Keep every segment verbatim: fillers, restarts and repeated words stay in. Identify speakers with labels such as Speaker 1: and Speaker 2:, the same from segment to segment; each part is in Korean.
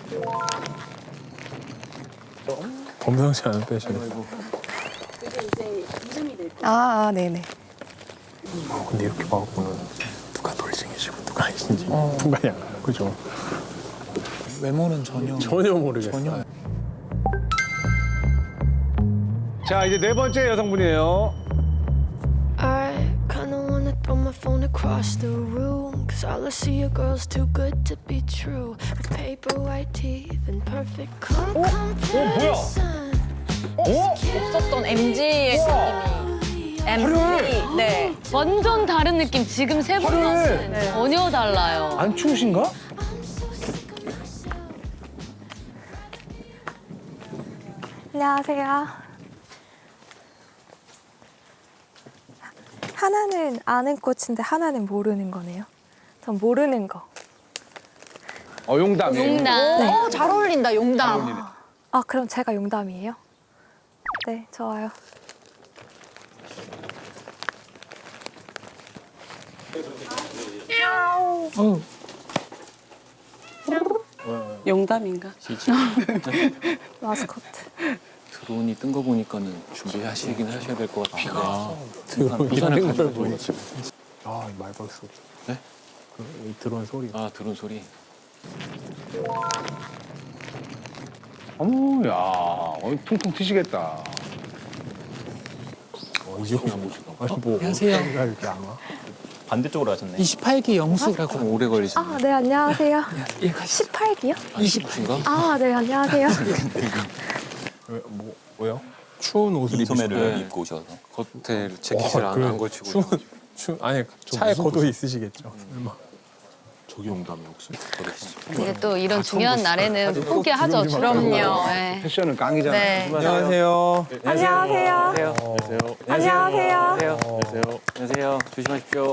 Speaker 1: 범상치 않은 패션.
Speaker 2: 그게 이제 이름이 될 거예요.
Speaker 3: 아, 아 네네.
Speaker 1: 어, 근데 이렇게 봐갖고는 누가 돌싱이시고 누가 아니신지 어. 분간이 안 가요. 그죠?
Speaker 4: 외모는 전혀
Speaker 1: 전혀 모르겠어요.
Speaker 4: 전혀.
Speaker 5: 자, 이제 네 번째 여성분이에요.
Speaker 6: I kinda wanna throw my phone across the room, cause all I see are girls too good to be true, with paper white teeth and perfect com- comparison.
Speaker 3: 없었던 엠지의 느낌이. 엠지. 네.
Speaker 7: 완전 다른 느낌. 지금 세 분은
Speaker 5: 화려해.
Speaker 7: 전혀 달라요.
Speaker 5: 안 추우신가?
Speaker 3: 안녕하세요. 하나는 아는 꽃인데 하나는 모르는 거네요. 전 모르는 거.
Speaker 5: 어, 용담.
Speaker 7: 용담.
Speaker 3: 네.
Speaker 8: 어, 잘 어울린다, 용담.
Speaker 3: 아, 그럼 제가 용담이에요? 네, 좋아요.
Speaker 2: 용담인가?
Speaker 3: 마스코트.
Speaker 9: 드론이 뜬 거 보니까는 준비하시긴 하셔야 될 것 같은데. 아,
Speaker 1: 드론이
Speaker 9: 부산을
Speaker 1: 뜬걸
Speaker 9: 가지고
Speaker 1: 보니까. 아, 이 말박 소리.
Speaker 9: 네?
Speaker 1: 그, 이 드론 소리.
Speaker 9: 아, 드론 소리.
Speaker 5: 어머, 야, 어, 퉁퉁 튀시겠다.
Speaker 1: 어, 이 정도. 아니, 뭐.
Speaker 4: 안녕하세요.
Speaker 1: 어디가 이렇게 안 와?
Speaker 9: 반대쪽으로 하셨네.
Speaker 4: 이십팔 기 영수라고.
Speaker 9: 좀 오래 걸리시네.
Speaker 3: 아, 네, 안녕하세요. 십팔 기요?
Speaker 9: 이십인가?
Speaker 3: 아, 네, 안녕하세요.
Speaker 1: 왜, 뭐, 왜요? 추운 옷을
Speaker 9: 소매를
Speaker 1: 입으시나요?
Speaker 9: 입고 오셔서 겉에 재킷을
Speaker 1: 와,
Speaker 9: 안,
Speaker 1: 그래.
Speaker 9: 안 걸치고.
Speaker 1: 추운, 추운, 아니, 차에 겉옷 있으시겠죠. 설마.
Speaker 9: 저기 용담이 혹시?
Speaker 7: 이제 또 이런 중요한 날에는 포기하죠. 그럼요. 네.
Speaker 5: 패션은 깡이잖아.
Speaker 7: 네.
Speaker 1: 안녕하세요.
Speaker 3: 안녕하세요.
Speaker 9: 안녕하세요.
Speaker 3: 안녕하세요.
Speaker 9: 안녕하세요. 안녕하세요. 조심하십시오.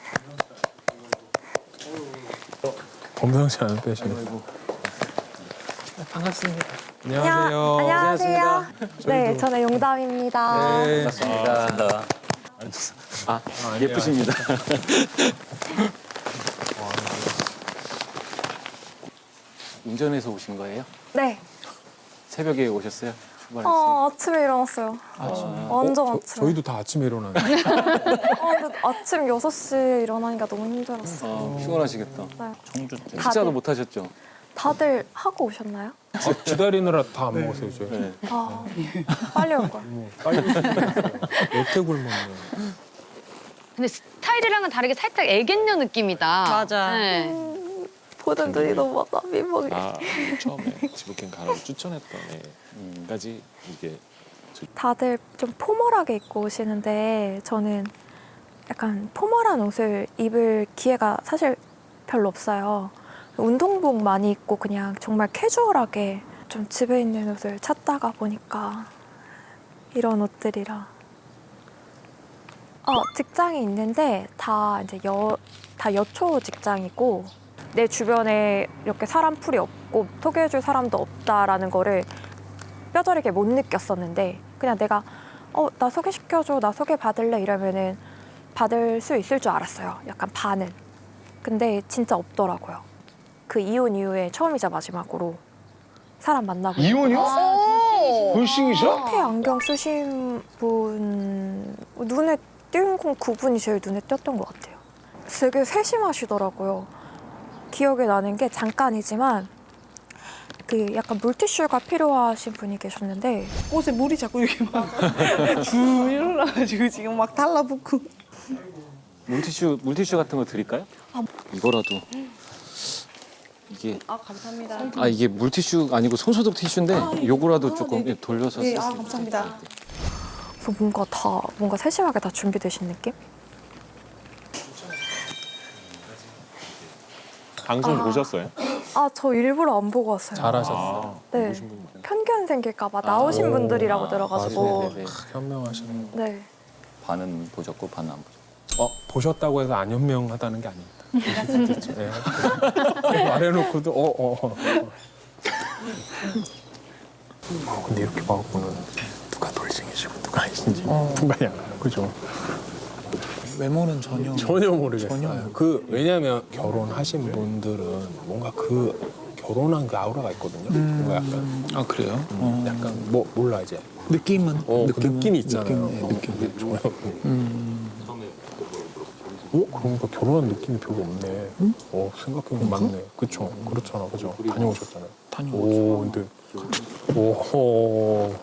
Speaker 1: 범상치 않은 패션.
Speaker 4: 반갑습니다.
Speaker 1: 안녕하세요.
Speaker 3: 안녕하세요. 네, 저는 용담입니다.
Speaker 1: 네.
Speaker 9: 반갑습니다. 아, 예쁘십니다. 운전해서 오신 거예요?
Speaker 3: 네.
Speaker 9: 새벽에 오셨어요? 출발했어요?
Speaker 3: 어, 아침에 일어났어요. 완전
Speaker 1: 저,
Speaker 3: 아침에.
Speaker 1: 저희도 다 아침에 일어나는데.
Speaker 3: 어, 근데 아침 여섯 시에 일어나니까 너무 힘들었어요.
Speaker 9: 아, 피곤하시겠다.
Speaker 3: 네.
Speaker 9: 청주
Speaker 3: 다들-
Speaker 9: 식사도 못 하셨죠?
Speaker 3: 다들 하고 오셨나요?
Speaker 1: 아, 기다리느라 다 안 먹었어요, 저희.
Speaker 9: 네.
Speaker 3: 아, 빨리 올 걸.
Speaker 1: 뭐, 빨리 여태 굶었네.
Speaker 7: 근데 스타일이랑은 다르게 살짝 애견녀 느낌이다.
Speaker 8: 맞아.
Speaker 7: 네.
Speaker 3: 보는 눈이 너무 많아, 민망해.
Speaker 10: 아, 처음에 지브캔 가라고 추천했던 애까지 이게
Speaker 3: 다들 좀 포멀하게 입고 오시는데 저는 약간 포멀한 옷을 입을 기회가 사실 별로 없어요. 운동복 많이 입고 그냥 정말 캐주얼하게 좀 집에 있는 옷을 찾다가 보니까 이런 옷들이라. 어, 직장이 있는데 다 이제 여, 다 여초 직장이고 내 주변에 이렇게 사람풀이 없고 소개해줄 사람도 없다라는 거를 뼈저리게 못 느꼈었는데 그냥 내가 어, 나 소개시켜줘, 나 소개 받을래 이러면은 받을 수 있을 줄 알았어요. 약간 반은. 근데 진짜 없더라고요. 그 이혼 이후에 처음이자 마지막으로 사람 만나고.
Speaker 5: 이혼이요? 돌싱이셔?
Speaker 3: 태 안경 쓰신 분 눈에 띄는 건 그분이 제일 눈에 띄었던 것 같아요. 되게 세심하시더라고요. 기억에 나는 게 잠깐이지만 그 약간 물티슈가 필요하신 분이 계셨는데
Speaker 8: 옷에 물이 자꾸 이렇게 막 쭉 일어나가지고 지금 막 달라붙고.
Speaker 9: 물티슈 물티슈 같은 거 드릴까요? 이거라도 이게
Speaker 8: 아, 감사합니다.
Speaker 9: 아 이게 물티슈 아니고 손소독 티슈인데 요거라도 조금
Speaker 8: 네네.
Speaker 9: 돌려서
Speaker 8: 네, 아,
Speaker 9: 쓰세요.
Speaker 8: 감사합니다.
Speaker 3: 그래서 뭔가 다 뭔가 세심하게 다 준비되신 느낌?
Speaker 10: 방송
Speaker 3: 아.
Speaker 10: 보셨어요?
Speaker 3: 아, 저 일부러 안 보고 왔어요.
Speaker 1: 잘하셨어요.
Speaker 3: 네. 편견 생길까 봐 나오신 분들이라고 들어가지고.
Speaker 9: 네네네.
Speaker 1: 현명하시네.
Speaker 3: 네.
Speaker 9: 반은 보셨고 반은 안 보셨고.
Speaker 1: 어, 보셨다고 해서 안 현명하다는 게 아닙니다. 그렇죠. 네. 말해놓고도 어, 어, 어. 어, 근데 이렇게 봐갖고는 누가 돌싱이시고 누가 아니신지 분간이 안 가요. 그죠?
Speaker 4: 외모는 전혀
Speaker 1: 전혀 모르겠어요.
Speaker 4: 전혀.
Speaker 1: 그 왜냐하면 결혼하신 분들은 뭔가 그 결혼한 그 아우라가 있거든요. 뭔가 약간
Speaker 4: 아 그래요?
Speaker 1: 음,
Speaker 4: 어.
Speaker 1: 약간 뭐 몰라 이제.
Speaker 4: 느낌은
Speaker 1: 어, 그
Speaker 4: 느낌은-
Speaker 1: 느낌이 있잖아요.
Speaker 4: 느낌,
Speaker 1: 어,
Speaker 4: 느낌.
Speaker 1: 근데 전혀.
Speaker 4: 음.
Speaker 1: 어 그러니까 결혼한 느낌이 별로 없네. 어 생각해보면 맞네. 그쵸? 그렇잖아, 그죠? 다녀오셨잖아요.
Speaker 4: 다녀오죠.
Speaker 1: 오 근데 오호.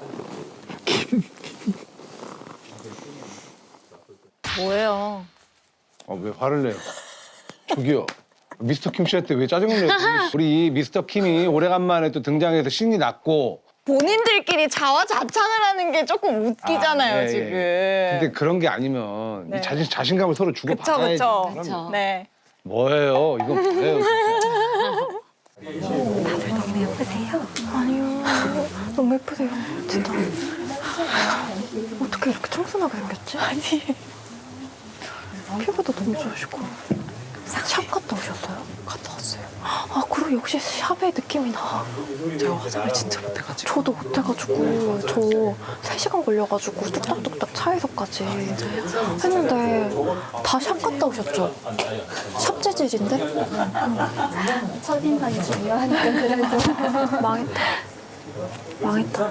Speaker 8: 뭐예요?
Speaker 5: 어, 왜 화를 내요? 저기요. 미스터 킴 씨한테 왜 짜증을 내요? 우리 미스터 킴이 오래간만에 또 등장해서 신이 났고.
Speaker 8: 본인들끼리 자화자찬을 하는 게 조금 웃기잖아요,
Speaker 5: 아, 예, 예.
Speaker 8: 지금.
Speaker 5: 근데 그런 게 아니면
Speaker 8: 네.
Speaker 5: 이 자신, 자신감을 서로 주고
Speaker 8: 그쵸,
Speaker 5: 받아야지.
Speaker 8: 그쵸.
Speaker 7: 그쵸.
Speaker 8: 네.
Speaker 5: 뭐예요? 이건 뭐예요? 진짜.
Speaker 3: 너무 예쁘세요? 아니요. 너무 예쁘세요. 진짜. 어떻게 이렇게 청순하게 생겼지? 아니. 피부도 너무 좋으시고. 샵 갔다 오셨어요? 갔다 왔어요. 아, 그리고 역시 샵의 느낌이 나.
Speaker 4: 제가 화장을 진짜 못해가지고.
Speaker 3: 저도 못해가지고 저 세 시간 걸려가지고 뚝딱뚝딱 차에서까지 했는데 다 샵 갔다 오셨죠? 샵 재질인데?
Speaker 2: 첫인상이 중요하니까 그래도.
Speaker 3: 망했다. 망했다.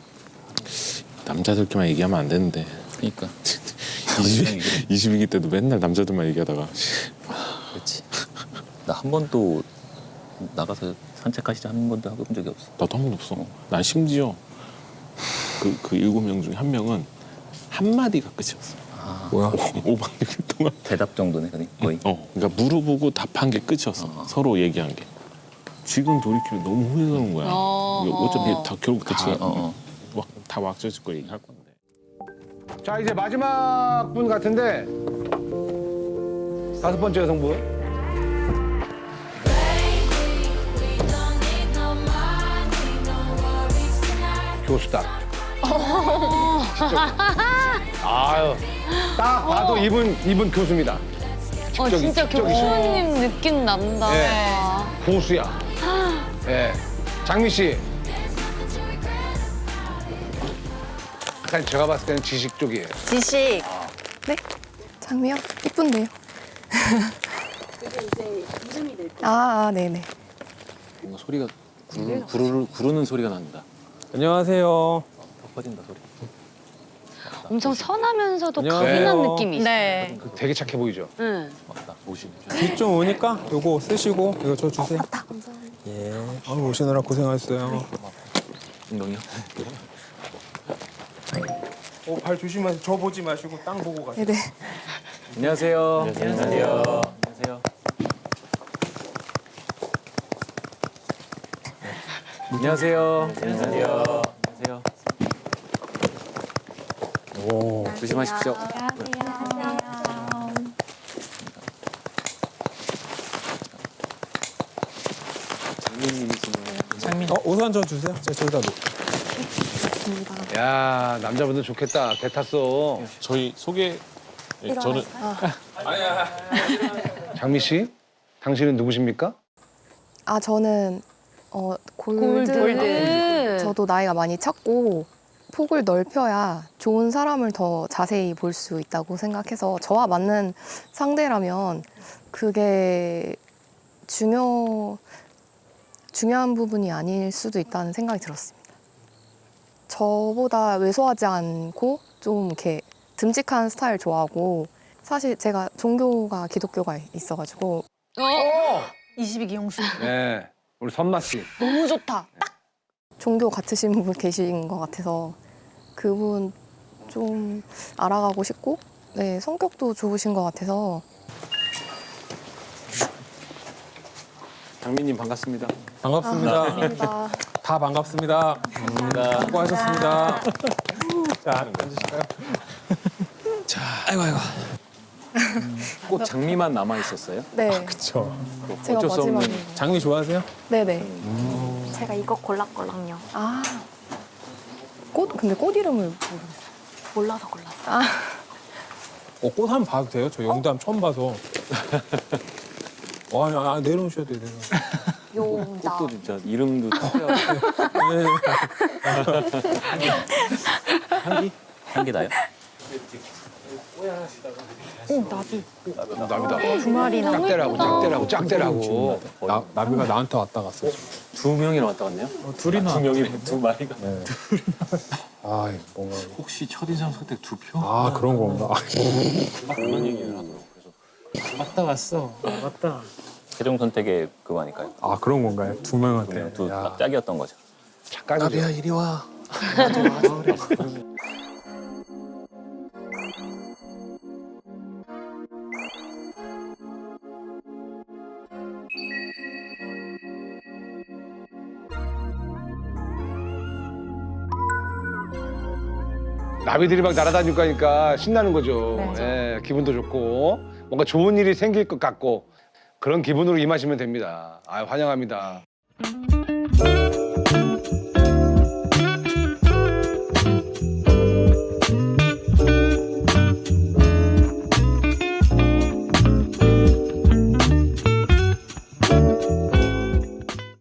Speaker 10: 남자들끼리만 얘기하면 안 되는데.
Speaker 9: 그러니까
Speaker 10: 이십 기 때도 맨날 남자들만 얘기하다가.
Speaker 9: 그렇지. 나 한 번도 나가서 산책하시자 한 번도 해본 적이 없어.
Speaker 10: 나도 한 번도 없어. 난 심지어 그, 그 일곱 명 중에 한 명은 한마디가 끝이었어.
Speaker 9: 아,
Speaker 1: 뭐야?
Speaker 10: 오박 육 일 동안.
Speaker 9: 대답 정도네, 그냥 거의.
Speaker 10: 어, 그러니까 물어보고 답한 게 끝이었어.
Speaker 9: 어.
Speaker 10: 서로 얘기한 게. 지금 돌이키면 너무 후회스러운 거야.
Speaker 7: 어,
Speaker 10: 이거 어차피 다 결국
Speaker 9: 그치,
Speaker 10: 다,
Speaker 9: 어, 어.
Speaker 10: 막, 다 왁자질 거 얘기할 건데.
Speaker 5: 자, 이제 마지막 분 같은데. 다섯 번째 여성분. 교수다. 아유, 딱 봐도 이분 이분 교수입니다.
Speaker 7: 어,
Speaker 5: 직접이-
Speaker 7: 진짜
Speaker 5: 직접이시네.
Speaker 7: 교수님 느낌 난다.
Speaker 5: 네. 고수야. 예. 장미 씨. 약간 제가 봤을 때는 지식 쪽이에요.
Speaker 8: 지식.
Speaker 3: 네? 장미요? 이쁜데요?
Speaker 2: 그게 이제 이름이 될 거예요.
Speaker 3: 아, 아, 네네.
Speaker 9: 뭔가 소리가 구르, 구르, 구르는 소리가 난다.
Speaker 1: 안녕하세요.
Speaker 9: 턱 빠진다 소리.
Speaker 7: 엄청 선하면서도
Speaker 1: 안녕하세요.
Speaker 7: 강인한 느낌이 있어.
Speaker 8: 네.
Speaker 5: 되게 착해 보이죠?
Speaker 7: 응.
Speaker 9: 맞다. 오시네.
Speaker 1: 뒤 좀 오니까 요거 쓰시고 이거 저 주세요. 예. 아유 오시느라 고생하셨어요.
Speaker 9: 운동이요?
Speaker 1: 어, 발 조심하세요. 저 보지 마시고 땅 보고 가세요.
Speaker 3: 네네.
Speaker 9: 안녕하세요. 안녕하세요. 안녕하세요. 안녕하세요. 안녕하세요. 안녕하세요.
Speaker 1: 오.
Speaker 9: 조심하십시오. 장미님이시네요.
Speaker 1: 어 우선 저 주세요. 제가 저기다 놓.
Speaker 5: 야, 남자분들 좋겠다. 배 탔어.
Speaker 10: 저희 소개. 예, 저는
Speaker 5: 장미 씨, 당신은 누구십니까?
Speaker 3: 아, 저는 어, 골드.
Speaker 7: 골드.
Speaker 3: 저도 나이가 많이 찼고 폭을 넓혀야 좋은 사람을 더 자세히 볼 수 있다고 생각해서 저와 맞는 상대라면 그게 중요 중요한 부분이 아닐 수도 있다는 생각이 들었습니다. 저보다 왜소하지 않고 좀 이렇게 듬직한 스타일 좋아하고 사실 제가 종교가 기독교가 있어가지고
Speaker 7: 어?
Speaker 8: 이십이 기 용수.
Speaker 5: 네, 우리 선마 씨.
Speaker 8: 너무 좋다.
Speaker 3: 종교 같으신 분 계신 것 같아서 그분 좀 알아가고 싶고 네 성격도 좋으신 것 같아서
Speaker 10: 장미님 반갑습니다.
Speaker 1: 반갑습니다.
Speaker 3: 반갑습니다.
Speaker 1: 다 반갑습니다. 반갑습니다. 수고하셨습니다. 자 앉으실까요?
Speaker 10: 자, 아이고 아이고.
Speaker 9: 꼭 장미만 남아 있었어요?
Speaker 3: 네
Speaker 1: 그렇죠.
Speaker 3: 제가
Speaker 9: 어쩔 수 없는.
Speaker 3: 마지막에
Speaker 1: 장미 좋아하세요?
Speaker 3: 네네
Speaker 2: 제가 이거 골랐거든요.
Speaker 3: 아 꽃 근데 꽃 이름을 모르겠어요.
Speaker 2: 몰라서 골랐어요.
Speaker 3: 아
Speaker 1: 어, 꽃 한번 봐도 돼요? 저 영담 처음 봐서. 와, 아, 아, 내려오셔야 돼요. 내려오셔야
Speaker 2: 용담.
Speaker 9: 꽃도 진짜 이름도 특이하고.
Speaker 1: 돼요.
Speaker 9: 향기? 향기 나요?
Speaker 5: 나비다.
Speaker 7: 두 마리나.
Speaker 5: 짝대라고 짝대라고 짝대라고.
Speaker 1: 나, 나비가 나한테 왔다 갔어.
Speaker 9: 두 명이나 왔다 갔네요?
Speaker 1: 둘이나.
Speaker 9: 두 명이 두 마리가.
Speaker 1: 네. 아, 뭔가.
Speaker 9: 혹시 첫인상 선택 두 표?
Speaker 1: 아, 그런 건가.
Speaker 9: 그런 얘기를 하더라고. 그래서
Speaker 4: 왔다 갔어. 왔다.
Speaker 9: 최종 선택의 그거 아닐까요?
Speaker 1: 아, 그런 건가요? 두 명한테.
Speaker 9: 두 명, 두
Speaker 1: 야.
Speaker 9: 딱 짝이었던 거죠.
Speaker 5: 착각이죠.
Speaker 4: 이리 와.
Speaker 5: 나비들이 막 날아다닐 거니까 신나는 거죠.
Speaker 3: 네.
Speaker 5: 예, 기분도 좋고 뭔가 좋은 일이 생길 것 같고 그런 기분으로 임하시면 됩니다. 아, 환영합니다.